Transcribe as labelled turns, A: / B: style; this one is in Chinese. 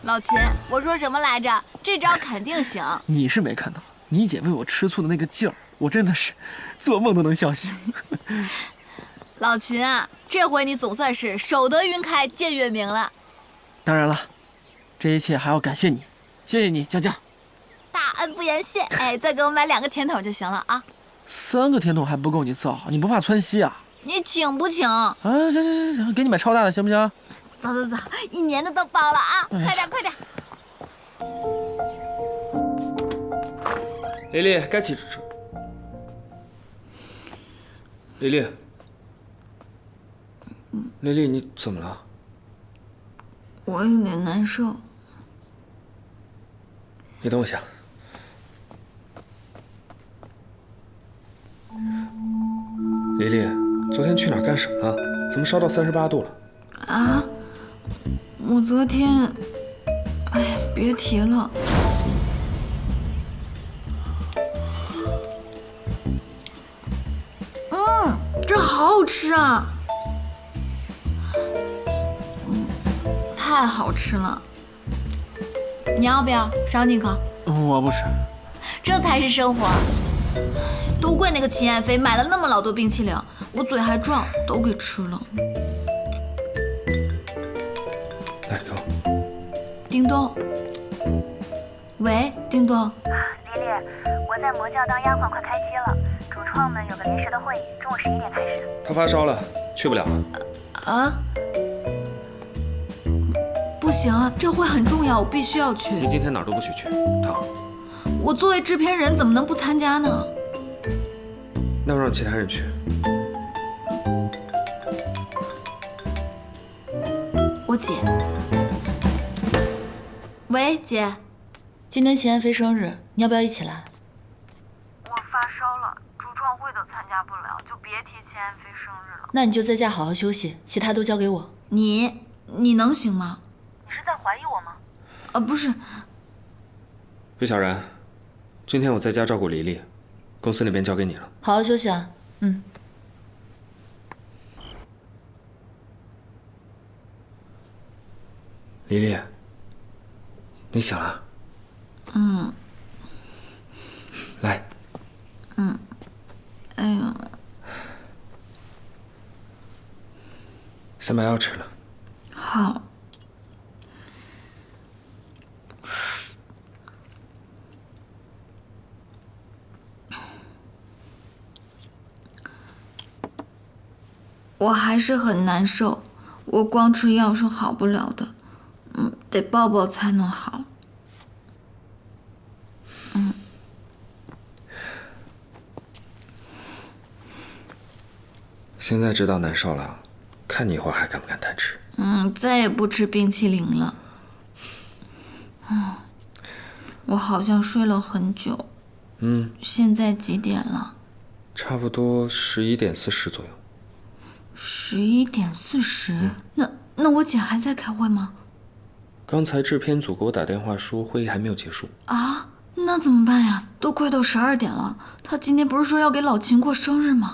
A: 老秦，我说什么来着？这招肯定行。
B: 你是没看到，你姐为我吃醋的那个劲儿，我真的是做梦都能笑醒。
A: 老秦啊，这回你总算是守得云开见月明了。
B: 当然了，这一切还要感谢你，谢谢你，江江。
A: 大恩不言谢。哎，再给我买2个甜筒就行了啊。
B: 3个甜筒还不够你造，你不怕窜稀啊？
A: 你请不请？
B: 啊，行，给你买超大的行不行？
A: 走，1年的都包了啊！快点。
B: 丽丽，该起吃。丽丽，你怎么了？
A: 我有点难受。
B: 你等我一下。丽丽，昨天去哪儿干什么了？怎么烧到38度了？
A: 啊？我昨天……哎呀，别提了。这好好吃啊！太好吃了。你要不要赏你一口？
B: 我不吃。
A: 这才是生活。都怪那个秦爱妃买了那么老多冰淇淋，我嘴还壮，都给吃了。
B: 来，给我。
A: 叮咚。喂，叮咚。
C: 丽丽，我在魔教当丫鬟，快开机了。主创们有个临时的会议，中午11点开始。
B: 她发烧了，去不了了。
A: 啊？不行啊，这会很重要，我必须要去。
B: 你今天哪儿都不许去，疼。
A: 我作为制片人，怎么能不参加呢？
B: 那我让其他人去。
A: 我姐。喂，姐，今天秦爱妃生日，你要不要一起来？
C: 我发烧了，主创会都参加不了，就别提秦爱妃生日了。
A: 那你就在家好好休息，其他都交给我。你能行吗？
C: 你是在怀疑我吗？
A: 不是。
B: 魏小然，今天我在家照顾黎黎，公司那边交给你了。
A: 好好休息啊。
B: 黎黎，你醒了？来。
A: 哎呀，
B: 先把药吃了。
A: 好。我还是很难受，我光吃药是好不了的，得抱抱才能好。
B: 现在知道难受了，看你以后还敢不敢贪吃。
A: 再也不吃冰淇淋了。我好像睡了很久。现在几点了？
B: 差不多11点40左右。
A: 11点40？那我姐还在开会吗？
B: 刚才制片组给我打电话说会议还没有结束。
A: 啊，那怎么办呀？都快到12点了，她今天不是说要给老秦过生日吗？